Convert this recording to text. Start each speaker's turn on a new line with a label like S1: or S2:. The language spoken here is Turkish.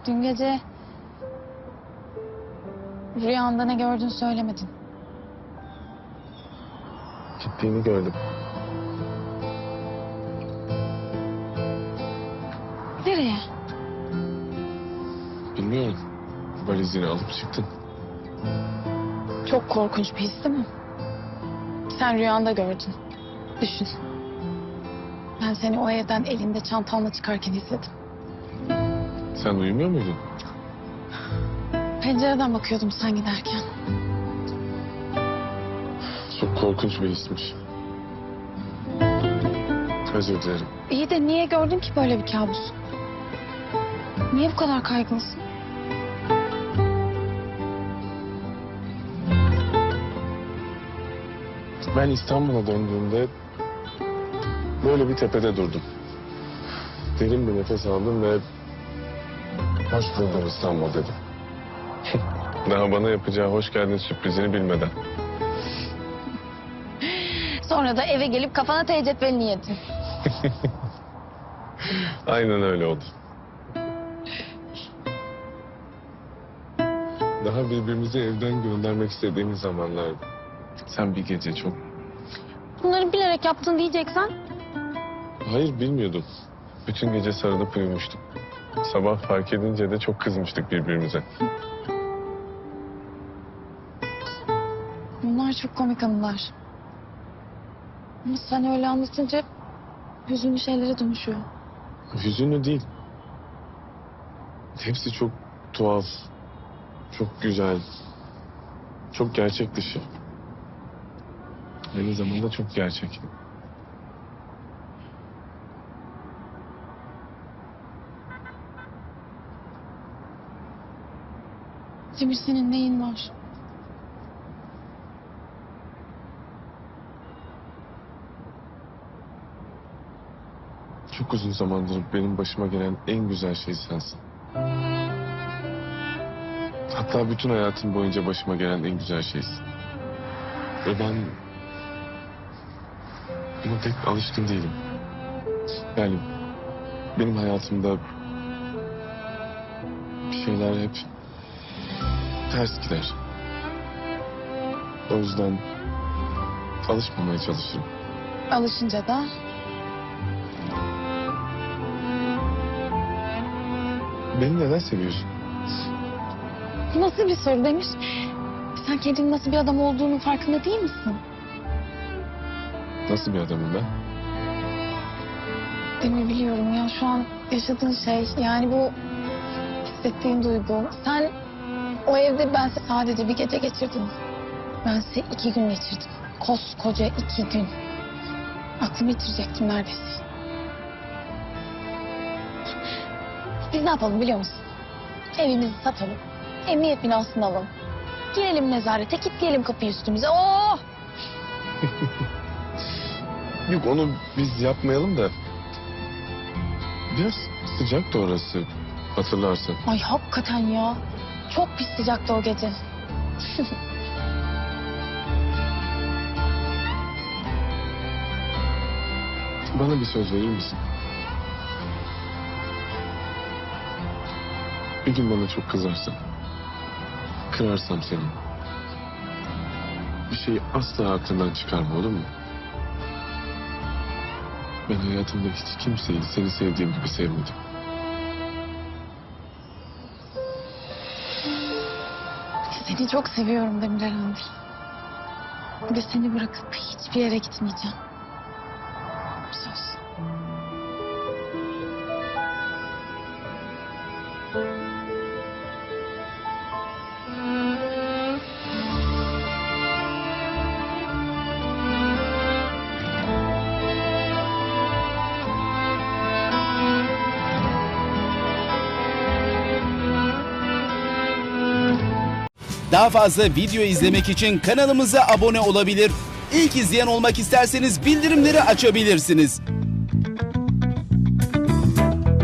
S1: Dün gece rüyanda ne gördün söylemedin.
S2: Gittiğini gördüm.
S1: Nereye?
S2: Bilmiyorum. Valizini alıp çıktın.
S1: Çok korkunç bir his değil mi? Sen rüyanda gördün. Düşün. Ben seni o evden elinde çantanla çıkarken izledim.
S2: Sen uyumuyor muydun?
S1: Pencereden bakıyordum sen giderken.
S2: Çok korkunç bir hismiş. Özür dilerim.
S1: İyi de niye gördün ki böyle bir kabus? Niye bu kadar kaygılısın?
S2: Ben İstanbul'a döndüğümde böyle bir tepede durdum. Derin bir nefes aldım ve hoş buldum İstanbul dedim. Daha bana yapacağı hoş geldin sürprizini bilmeden.
S1: Sonra da eve gelip kafana tecetvelini yedin.
S2: Aynen öyle oldu. Daha birbirimizi evden göndermek istediğimiz zamanlardı. Sen bir gece çok...
S1: Bunları bilerek yaptın diyeceksen.
S2: Hayır, bilmiyordum. Bütün gece sarılıp uyumuştuk. Sabah fark edince de çok kızmıştık birbirimize.
S1: Bunlar çok komik anılar. Ama sen öyle anlatınca hüzünlü şeylere dönüşüyor.
S2: Hüzünlü değil. Hepsi çok tuhaf, çok güzel, çok gerçek dışı. Aynı zamanda çok gerçek.
S1: Demir, senin neyin var?
S2: Çok uzun zamandır benim başıma gelen en güzel şey sensin. Hatta bütün hayatım boyunca başıma gelen en güzel şeysin. Ve ben buna pek alışkın değilim. Yani benim hayatımda bir şeyler hep ters gider. O yüzden alışmamaya çalışırım.
S1: Alışınca da
S2: Beni neden seviyorsun?
S1: nasıl bir soru Demir? Sen kendinin nasıl bir adam olduğunun farkında değil misin?
S2: Nasıl bir adamım ben?
S1: Demir, biliyorum ya şu an yaşadığın şey, yani bu hissettiğin duygu. Sen o evde bense sadece bir gece geçirdim. Bense 2 gün geçirdim. Koskoca 2 gün. Aklımı yitirecektim neredeyse. Biz ne yapalım biliyor musun? Evimizi satalım. Emniyet binasını alalım. Girelim nezarete, kilitleyelim kapıyı üstümüze. Oh!
S2: Yok, onu biz yapmayalım da. Biraz sıcak da orası, hatırlarsın.
S1: Ay hakikaten ya. Çok pis sıcaktı o gece.
S2: Bana bir söz verir misin? Bir gün bana çok kızarsan, kırarsam seni, bir şeyi asla aklından çıkarma, olur mu? Ben hayatımda hiç kimseyi seni sevdiğim gibi sevmedim.
S1: Seni çok seviyorum Demir Erhan'dır. Ve seni bırakıp hiçbir yere gitmeyeceğim. Söz.
S3: Daha fazla video izlemek için kanalımıza abone olabilir. İlk izleyen olmak isterseniz bildirimleri açabilirsiniz.